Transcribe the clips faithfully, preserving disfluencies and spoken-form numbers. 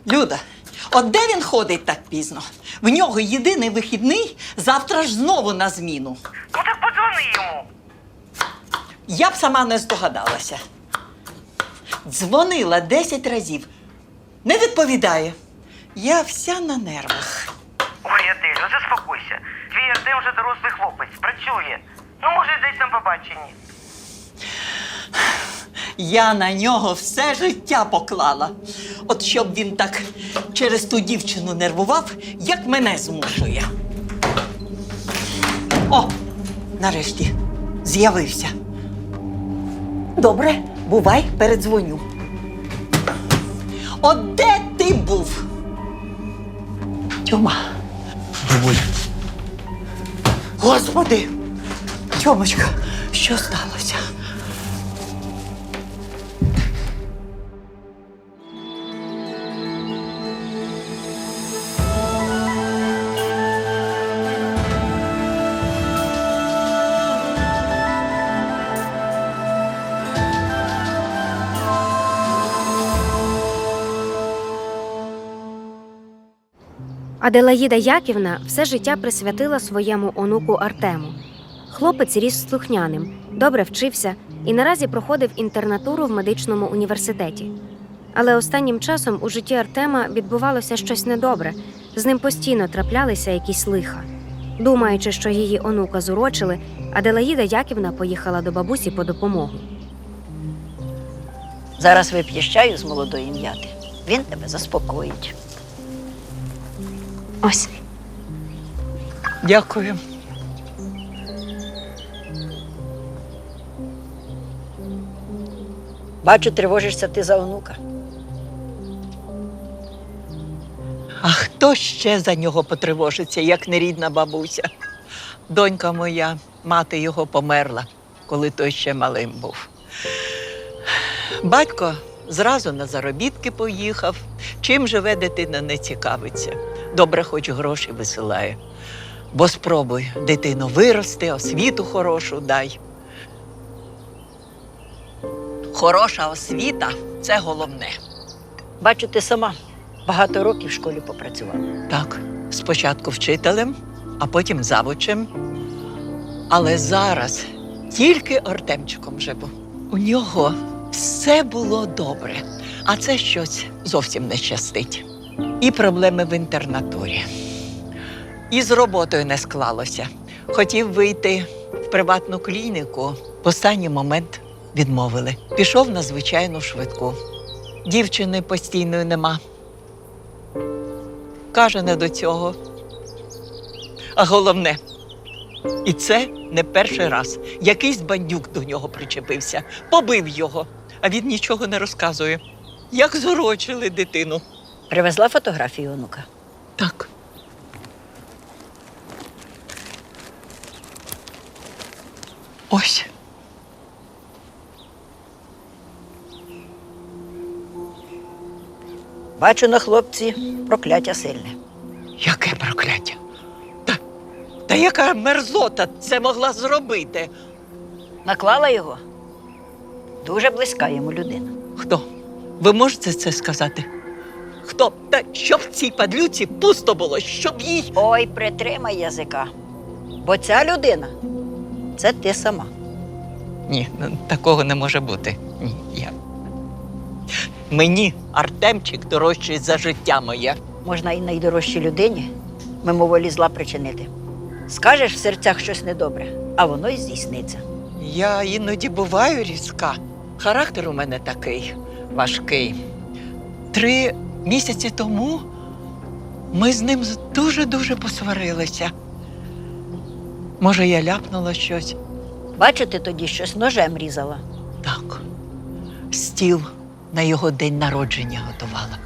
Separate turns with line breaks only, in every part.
Люда, от де він ходить так пізно? В нього єдиний вихідний, завтра ж знову на зміну.
Ну так подзвони йому.
Я б сама не здогадалася. Дзвонила десять разів. Не відповідає. Я вся на нервах.
Ой, Аделю, заспокойся. Твій Артем вже дорослий хлопець, працює. Ну, може, десь на побаченні.
Я на нього все життя поклала. От щоб він так через ту дівчину нервував, як мене змушує. О, нарешті з'явився. Добре, бувай, передзвоню. От де ти був? Тьома.
Бабуль,
Господи! Тьомочка, що сталося?
Аделаїда Яківна все життя присвятила своєму онуку Артему. Хлопець ріс слухняним, добре вчився і наразі проходив інтернатуру в медичному університеті. Але останнім часом у житті Артема відбувалося щось недобре, з ним постійно траплялися якісь лиха. Думаючи, що її онука зурочили, Аделаїда Яківна поїхала до бабусі по допомогу.
Зараз вип'єш чаю з молодої м'яти. Він тебе заспокоїть.
Ось.
Дякую.
Бачу, тривожишся ти за онука.
А хто ще за нього потривожиться, як не рідна бабуся? Донька моя, мати його померла, коли той ще малим був. Батько зразу на заробітки поїхав. Чим живе дитина, не цікавиться. Добре, хоч гроші висилає. Бо спробуй, дитину вирости, освіту хорошу дай. Хороша освіта – це головне.
Бачу, ти сама багато років в школі попрацювала.
Так, спочатку вчителем, а потім завучем. Але зараз тільки Артемчиком живу. У нього все було добре, а це щось зовсім не щастить. І проблеми в інтернатурі. І з роботою не склалося. Хотів вийти в приватну клініку, в останній момент відмовили. Пішов на звичайну швидку. Дівчини постійної нема. Каже, не до цього. А головне, і це не перший раз. Якийсь бандюк до нього причепився, побив його, а він нічого не розказує. Як зурочили дитину.
Привезла фотографію онука?
Так. Ось.
Бачу на хлопці прокляття сильне.
Яке прокляття? Та, та яка мерзота це могла зробити?
Наклала його дуже близька йому людина.
Хто? Ви можете це сказати? Хто? Та щоб в цій падлюці пусто було, щоб їй…
Ой, притримай язика. Бо ця людина – це ти сама.
Ні, ну, такого не може бути. Ні, я… Мені Артемчик дорожчий за життя моє.
Можна і найдорожчій людині мимоволі зла причинити. Скажеш в серцях щось недобре, а воно й здійсниться.
Я іноді буваю різка. Характер у мене такий важкий. Три місяці тому ми з ним дуже-дуже посварилися. Може, я ляпнула щось?
Бачу, ти тоді щось ножем різала.
Так. Стіл на його день народження готувала.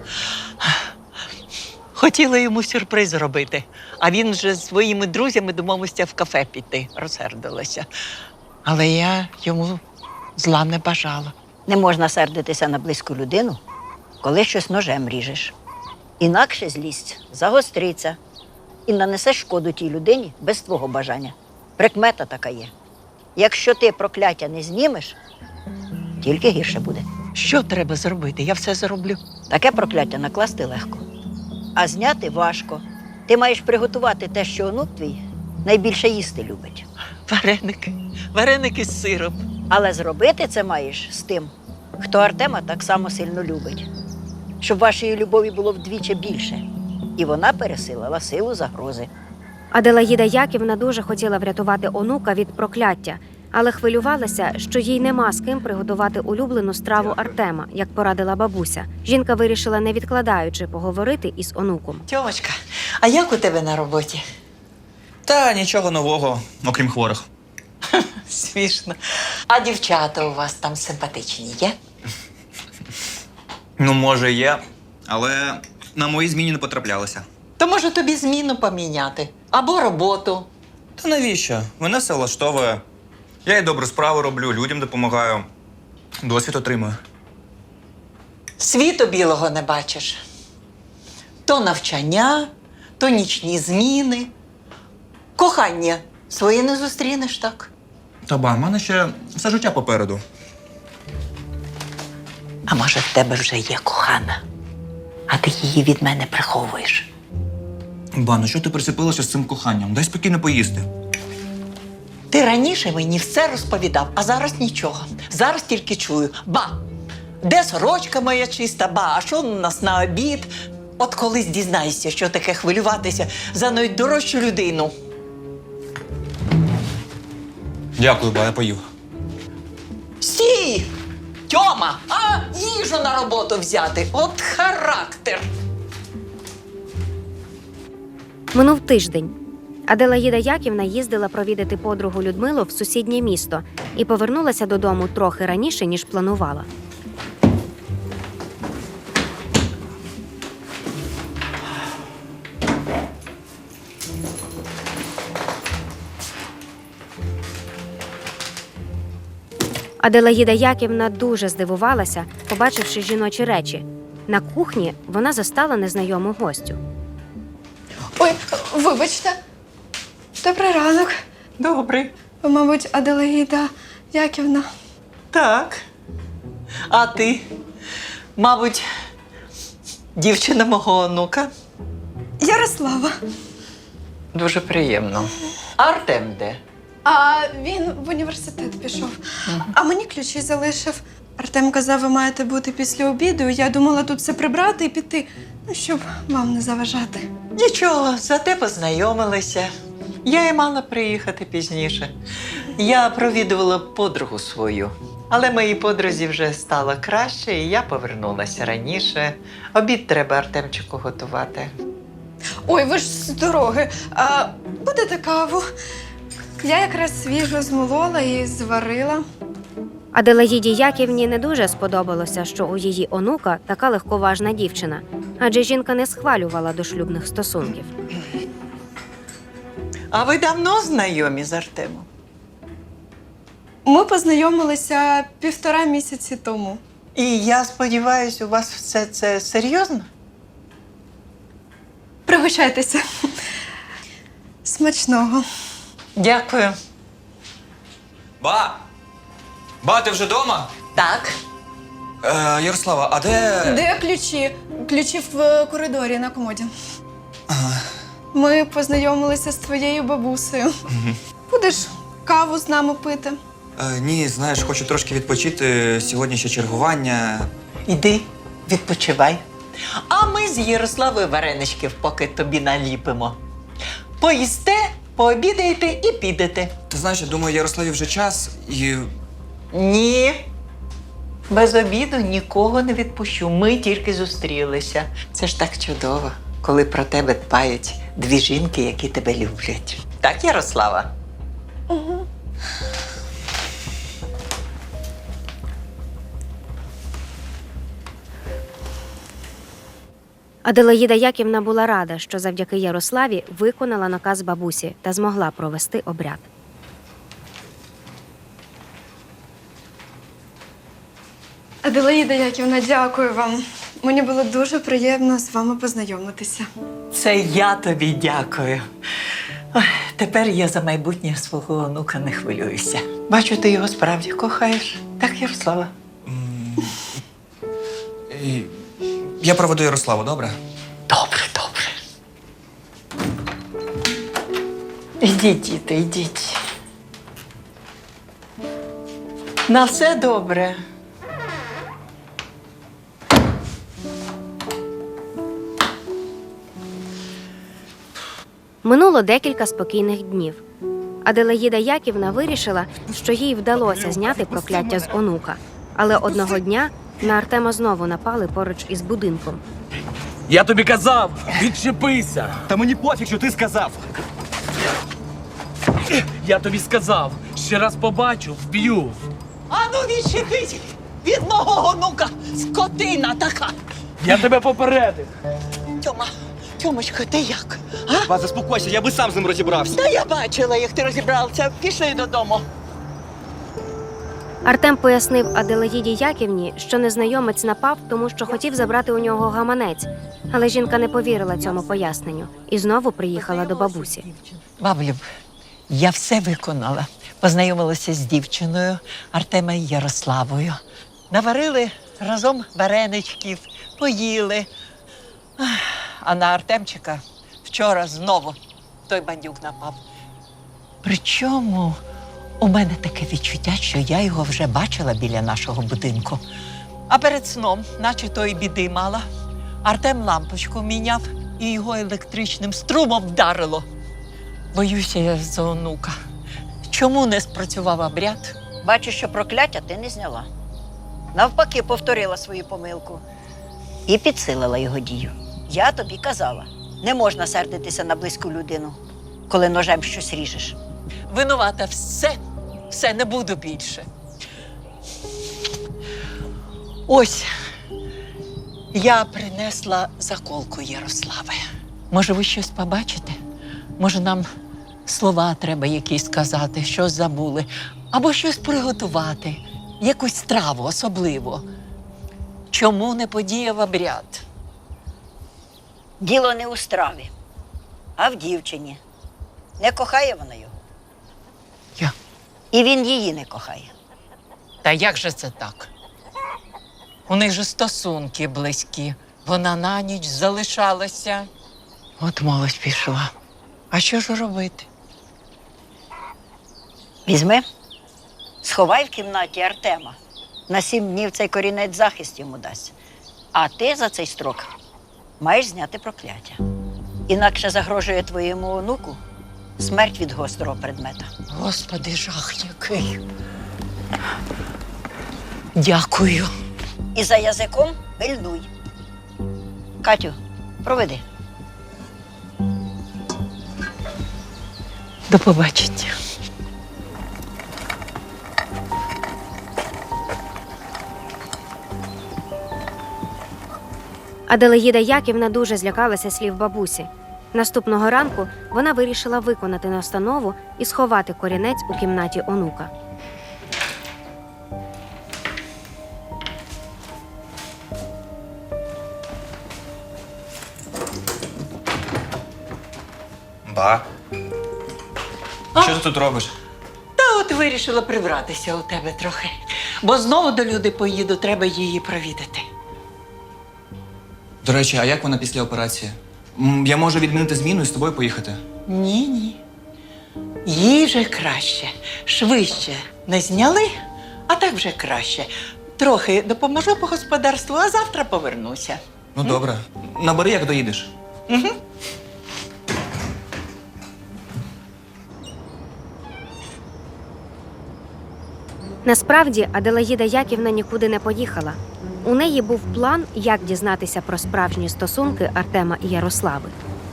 Хотіла йому сюрприз зробити, а він вже з своїми друзями домовився в кафе піти, розсердилася. Але я йому зла не бажала.
Не можна сердитися на близьку людину, коли щось ножем ріжеш. Інакше злість загостриться і нанесе шкоду тій людині без твого бажання. Прикмета така є. Якщо ти прокляття не знімеш, тільки гірше буде.
Що треба зробити? Я все зроблю.
Таке прокляття накласти легко, а зняти важко. Ти маєш приготувати те, що онук твій найбільше їсти любить.
Вареники. Вареники з сиром.
Але зробити це маєш з тим, хто Артема так само сильно любить. Щоб вашої любові було вдвічі більше. І вона пересилила силу загрози.
Аделаїда Яківна дуже хотіла врятувати онука від прокляття, але хвилювалася, що їй нема з ким приготувати улюблену страву Артема, як порадила бабуся. Жінка вирішила, не відкладаючи, поговорити із онуком.
Тьомочка, а як у тебе на роботі?
Та нічого нового, окрім хворих.
Смішно. А дівчата у вас там симпатичні є?
Ну, може, є, але на мої зміни не потраплялися.
То може тобі зміну поміняти? Або роботу.
Та навіщо? Мене все влаштовує. Я і добру справу роблю, людям допомагаю. Досвід отримую.
Світу білого не бачиш. То навчання, то нічні зміни. Кохання своє не зустрінеш, так?
Та ба, в мене ще все життя попереду.
А може, в тебе вже є кохана, а ти її від мене приховуєш?
Ба, ну що ти прицепилася з цим коханням? Дай спокійно поїсти.
Ти раніше мені все розповідав, а зараз нічого. Зараз тільки чую. Ба, де сорочка моя чиста, ба, а що у нас на обід? От колись дізнаєшся, що таке хвилюватися за найдорожчу людину.
Дякую, ба, я поїв.
Стій! Тьома, а їжу на роботу взяти. От характер.
Минув тиждень. Аделаїда Яківна їздила провідати подругу Людмилу в сусіднє місто і повернулася додому трохи раніше, ніж планувала. Аделаїда Яківна дуже здивувалася, побачивши жіночі речі. На кухні вона застала незнайому гостю.
Ой, вибачте. Добрий ранок.
Добре.
Ви, мабуть, Аделаїда Яківна.
Так. А ти, мабуть, дівчина мого онука?
Ярослава.
Дуже приємно. Артем де?
А він в університет пішов. А мені ключі залишив. Артем казав, ви маєте бути після обіду. Я думала тут все прибрати і піти, ну, щоб вам не заважати.
Нічого, зате познайомилися. Я й мала приїхати пізніше. Я провідувала подругу свою. Але моїй подрузі вже стало краще, і я повернулася раніше. Обід треба Артемчику готувати.
Ой, ви ж з дороги. А будете каву? Я якраз свіжо змолола і зварила.
Аделаїді Яківні не дуже сподобалося, що у її онука така легковажна дівчина, адже жінка не схвалювала дошлюбних стосунків.
А ви давно знайомі з Артемом?
Ми познайомилися півтора місяці тому.
І я сподіваюся, у вас все це серйозно?
Пригощайтеся. Смачного.
Дякую.
Ба! Ба, ти вже вдома?
Так.
Е, Ярослава, а де.
Де ключі? Ключі в коридорі на комоді. Ми познайомилися з твоєю бабусею. Будеш каву з нами пити?
Е, ні, знаєш, хочу трошки відпочити. Сьогодні ще чергування.
Іди, відпочивай. А ми з Ярославою вареничків поки тобі наліпимо. Поїсте, пообідаєте і підете.
Ти знаєш, я думаю, Ярославі вже час і.
Ні. Без обіду нікого не відпущу. Ми тільки зустрілися. Це ж так чудово, коли про тебе дбають дві жінки, які тебе люблять. Так, Ярослава?
Угу.
Аделаїда Яківна була рада, що завдяки Ярославі виконала наказ бабусі та змогла провести обряд.
Аделаїда Яківна, дякую вам. Мені було дуже приємно з вами познайомитися.
Це я тобі дякую. Ой, тепер я за майбутнє свого онука не хвилююся. Бачу, ти його справді кохаєш. Так, Ярослава?
І я проведу Ярославу, добре?
Добре, добре. Ідіть, діти, йдіть. На все добре.
Минуло декілька спокійних днів. Аделаїда Яківна вирішила, що їй вдалося зняти прокляття з онука. Але одного дня на Артема знову напали поруч із будинком.
Я тобі казав, відчепися!
Та мені пофіг, що ти сказав.
Я тобі сказав, ще раз побачу, вб'ю.
Ану, відчепіть від мого онука, скотина така.
Я тебе попередив.
Тьома, Тьомочка, ти як?
Вас заспокойся, я би сам з ним розібрався.
Та я бачила, як ти розібрався. Пішли додому.
Артем пояснив Аделаїді Яківні, що незнайомець напав, тому що хотів забрати у нього гаманець. Але жінка не повірила цьому поясненню і знову приїхала до бабусі.
Баблю, я все виконала. Познайомилася з дівчиною Артема і Ярославою. Наварили разом вареничків, поїли. Ах, А на Артемчика вчора знову той бандюк напав. Причому у мене таке відчуття, що я його вже бачила біля нашого будинку. А перед сном, наче тої біди мала, Артем лампочку міняв і його електричним струмом вдарило. Боюся я за онука. Чому не спрацював обряд?
Бачу, що прокляття ти не зняла. Навпаки, повторила свою помилку і підсилила його дію. Я тобі казала, не можна сердитися на близьку людину, коли ножем щось ріжеш.
Винувата все, все, не буду більше. Ось, я принесла заколку Ярослави. Може, ви щось побачите? Може, нам слова треба якісь сказати, щось забули, або щось приготувати, якусь страву особливо. Чому не подіяв обряд?
Діло не у страві, а в дівчині. Не кохає вона його.
Я.
І він її не кохає.
Та як же це так? У них же стосунки близькі. Вона на ніч залишалася. От молодь пішла. А що ж робити?
Візьми, сховай в кімнаті Артема. На сім днів цей корінець захист йому дасть. А ти за цей строк маєш зняти прокляття. Інакше загрожує твоєму онуку смерть від гострого предмета.
Господи, жах який. Дякую.
І за язиком пильнуй. Катю, проведи.
До побачення.
Аделаїда Яківна дуже злякалася слів бабусі. Наступного ранку вона вирішила виконати настанову і сховати корінець у кімнаті онука.
Ба.
А?
Що ти тут робиш?
Та от вирішила прибратися у тебе трохи. Бо знову до Люди поїду, треба її провідати.
До речі, а як вона після операції? М, Я можу відмінити зміну і з тобою поїхати.
Ні, ні. Їй вже краще. Швидше не зняли, а так вже краще. Трохи допоможу по господарству, а завтра повернуся.
Ну, добре. Набери, як доїдеш.
Угу.
Насправді, Аделаїда Яківна нікуди не поїхала. У неї був план, як дізнатися про справжні стосунки Артема і Ярослави.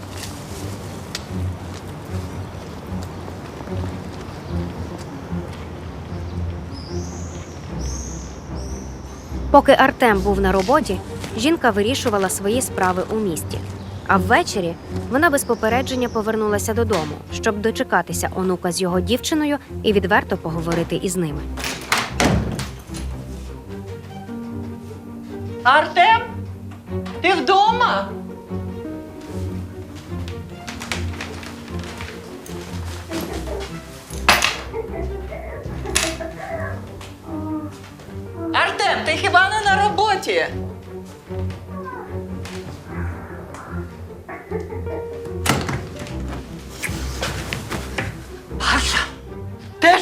Поки Артем був на роботі, жінка вирішувала свої справи у місті. А ввечері вона без попередження повернулася додому, щоб дочекатися онука з його дівчиною і відверто поговорити із ними.
Артем, ти вдома? Артем, ти хіба не на роботі?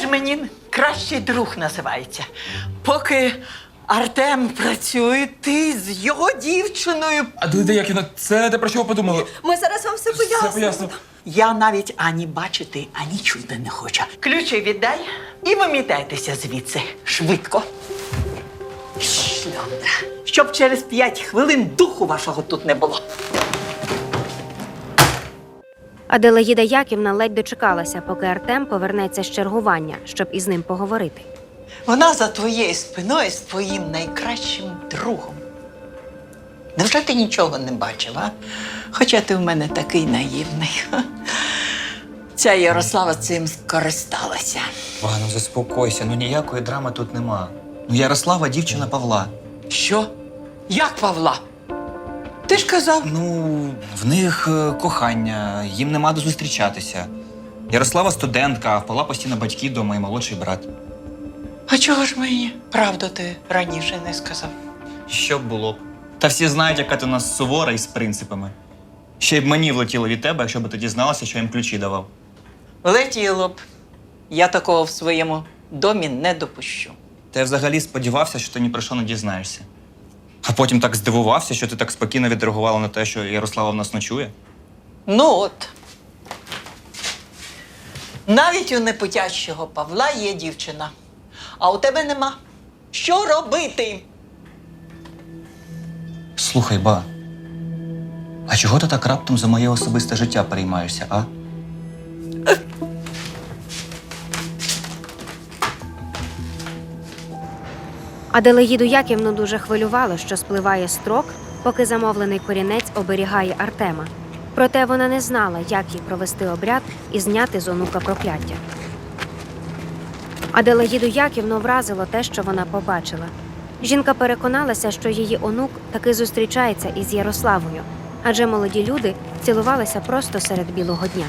ж мені кращий друг називається. Поки Артем працює, ти з його дівчиною.
Аделаїда Яківна, це те, про що ви подумали?
Ми зараз вам все
Все
пояснимо.
поясню.
Я навіть ані бачити, ані чути не хочу. Ключі віддай і вимітайтеся звідси. Швидко. Шльондра. Щоб через п'ять хвилин духу вашого тут не було.
Аделаїда Яківна ледь дочекалася, поки Артем повернеться з чергування, щоб із ним поговорити.
Вона за твоєю спиною з твоїм найкращим другом. Невже ти нічого не бачив, а? Хоча ти в мене такий наївний. Ця Ярослава цим скористалася.
Ба, ну заспокойся, ну ніякої драми тут нема. Ну Ярослава дівчина Павла.
Що? Як Павла? Ти ж казав.
Ну, в них е, кохання, їм нема де зустрічатися. Ярослава студентка, а в Павла постійно батьки вдома і молодший брат.
А чого ж мені правду ти раніше не сказав?
Що б було б? Та всі знають, яка ти у нас сувора і з принципами. Ще й б мені влетіло від тебе, якщо б ти дізналася, що я їм ключі давав.
Летіло б. Я такого в своєму домі не допущу.
Та я взагалі сподівався, що ти ні про що не дізнаєшся. А потім так здивувався, що ти так спокійно відреагувала на те, що Ярослава в нас ночує.
Ну от. Навіть у непутящого Павла є дівчина, а у тебе нема. Що робити?
Слухай, ба, а чого ти так раптом за моє особисте життя переймаєшся, а?
Аделаїду Яківну дуже хвилювало, що спливає строк, поки замовлений корінець оберігає Артема. Проте вона не знала, як їй провести обряд і зняти з онука прокляття. Аделаїду Яківну вразило те, що вона побачила. Жінка переконалася, що її онук таки зустрічається із Ярославою, адже молоді люди цілувалися просто серед білого дня.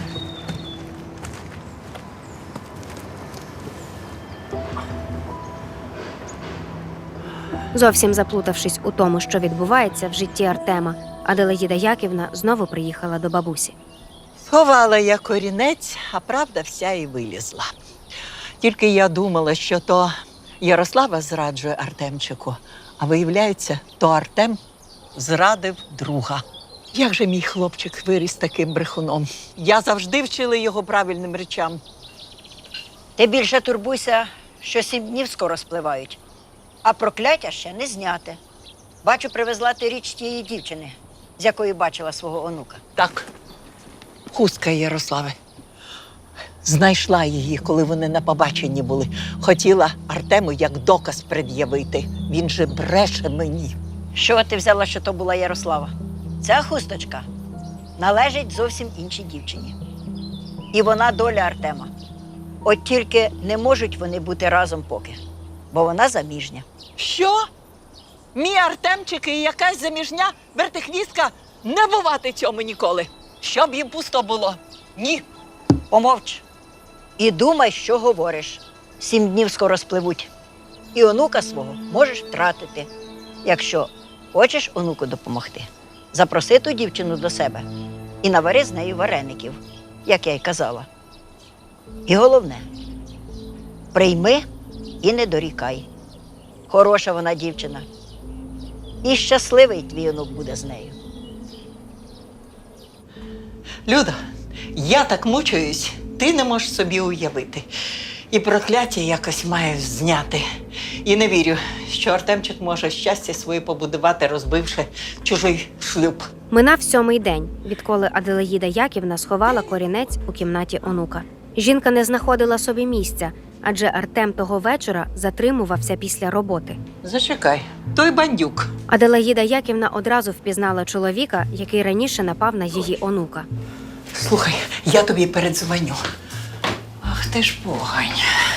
Зовсім заплутавшись у тому, що відбувається в житті Артема, Аделаїда Яківна знову приїхала до бабусі.
Сховала я корінець, а правда вся і вилізла. Тільки я думала, що то Ярослава зраджує Артемчику, а виявляється, то Артем зрадив друга. Як же мій хлопчик виріс таким брехуном? Я завжди вчила його правильним речам.
Ти більше турбуйся, що сім днів скоро спливають, а прокляття ще не зняте. Бачу, привезла ти річ тієї дівчини, з якої бачила свого онука.
Так, хустка Ярослави. Знайшла її, коли вони на побаченні були. Хотіла Артему як доказ пред'явити. Він же бреше мені.
Що ти взяла, що то була Ярослава? Ця хусточка належить зовсім іншій дівчині. І вона доля Артема. От тільки не можуть вони бути разом поки, бо вона заміжня.
Що? Мій Артемчик і якась заміжня вертихвістка не бувати цьому ніколи. Щоб їм пусто було. Ні.
Помовч. І думай, що говориш. Сім днів скоро спливуть. І онука свого можеш втратити. Якщо хочеш онуку допомогти, запроси ту дівчину до себе і навари з нею вареників, як я й казала. І головне, прийми і не дорікай. Хороша вона дівчина. І щасливий твій онук буде з нею.
Люда, я так мучуюсь, ти не можеш собі уявити. І прокляття якось маю зняти. І не вірю, що Артемчик може щастя своє побудувати, розбивши чужий шлюб.
Минав сьомий день, відколи Аделаїда Яківна сховала корінець у кімнаті онука. Жінка не знаходила собі місця, адже Артем того вечора затримувався після роботи.
Зачекай, той бандюк.
Аделаїда Яківна одразу впізнала чоловіка, який раніше напав на її онука.
Слухай, я тобі передзвоню. Ах ти ж погань.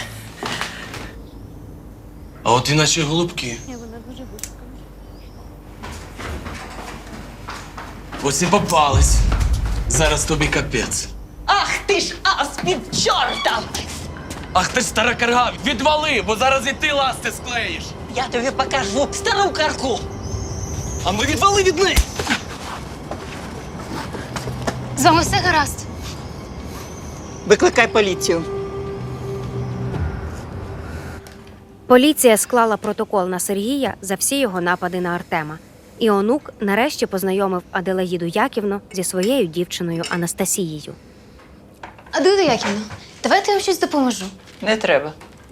А от і наші голубки. Ось і попались. Зараз тобі капець.
Ах ти ж ас під чорта!
Ах ти ж стара карга, відвали, бо зараз і ти ласти склеїш.
Я тобі покажу стару карку.
А ми відвали від неї.
З вами все гаразд.
Викликай поліцію.
Поліція склала протокол на Сергія за всі його напади на Артема. І онук нарешті познайомив Аделаїду Яківну зі своєю дівчиною Анастасією.
Аделаїда Яківна, давайте я вам щось допоможу.
Не треба.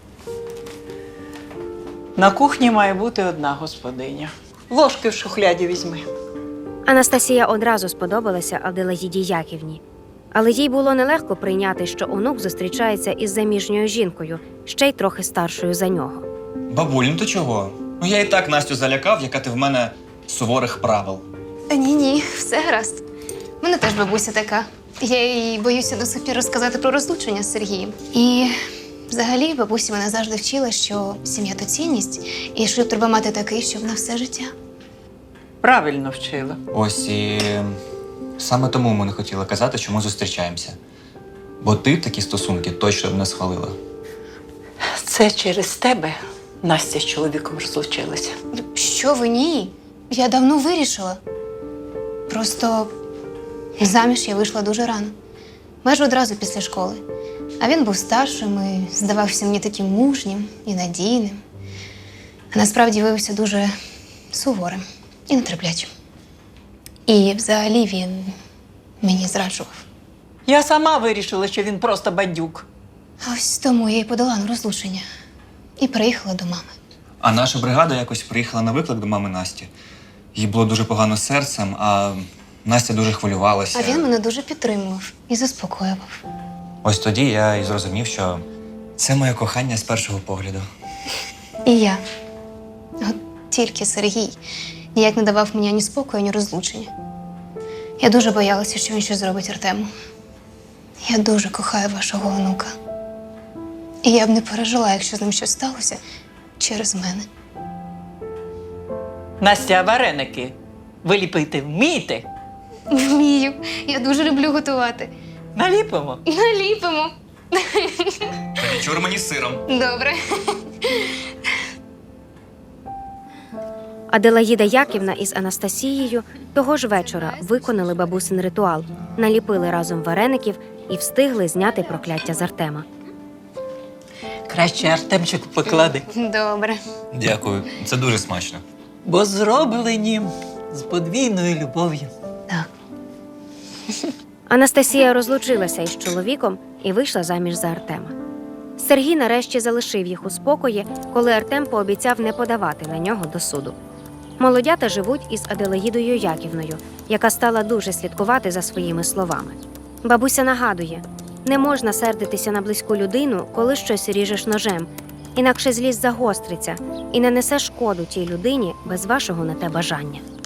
На кухні має бути одна господиня. Ложки в шухляді візьми.
Анастасія одразу сподобалася Аделаїді Яківні. Але їй було нелегко прийняти, що онук зустрічається із заміжньою жінкою, ще й трохи старшою за нього.
Бабуль, ну то чого? Ну я і так Настю залякав, яка ти в мене суворих правил.
Ні-ні, все гаразд. У мене теж бабуся така. Я їй боюся до сих пір розказати про розлучення з Сергієм. І взагалі бабуся мене завжди вчила, що сім'я – то цінність, і шлюб треба мати такий, щоб на все життя.
Правильно вчила.
Ось і саме тому ми не хотіли казати, що ми зустрічаємося. Бо ти такі стосунки точно б не схвалила.
Це через тебе Настя з чоловіком розлучилася.
Що ви, ні? Я давно вирішила. Просто заміж я вийшла дуже рано. Майже одразу після школи. А він був старшим і здавався мені таким мужнім і надійним. А насправді виявився дуже суворим і нетерплячим. І взагалі він мені зраджував.
Я сама вирішила, що він просто бандюк.
А ось тому я й подала на розлучення. І приїхала до мами.
А наша бригада якось приїхала на виклик до мами Насті. Їй було дуже погано з серцем, а Настя дуже хвилювалася.
А він мене дуже підтримував і заспокоював.
Ось тоді я і зрозумів, що це моє кохання з першого погляду.
І я. От тільки Сергій ніяк не давав мені ані спокою, ані розлучення. Я дуже боялася, що він щось зробить Артему. Я дуже кохаю вашого онука. І я б не пережила, якщо з ним щось сталося через мене.
Настя, а вареники ви ліпити вмієте?
Вмію. Я дуже люблю готувати.
Наліпимо.
Наліпимо.
Тоді чур мені з сиром.
Добре.
Аделаїда Яківна із Анастасією того ж вечора виконали бабусин ритуал, наліпили разом вареників і встигли зняти прокляття з Артема.
Краще Артемчику поклади.
Добре.
Дякую, це дуже смачно.
Бо зроблені з подвійною любов'ю.
Так.
Анастасія розлучилася із чоловіком і вийшла заміж за Артема. Сергій нарешті залишив їх у спокої, коли Артем пообіцяв не подавати на нього до суду. Молодята живуть із Аделаїдою Яківною, яка стала дуже слідкувати за своїми словами. Бабуся нагадує, не можна сердитися на близьку людину, коли щось ріжеш ножем, інакше злість загостриться і нанесе шкоду тій людині без вашого на те бажання.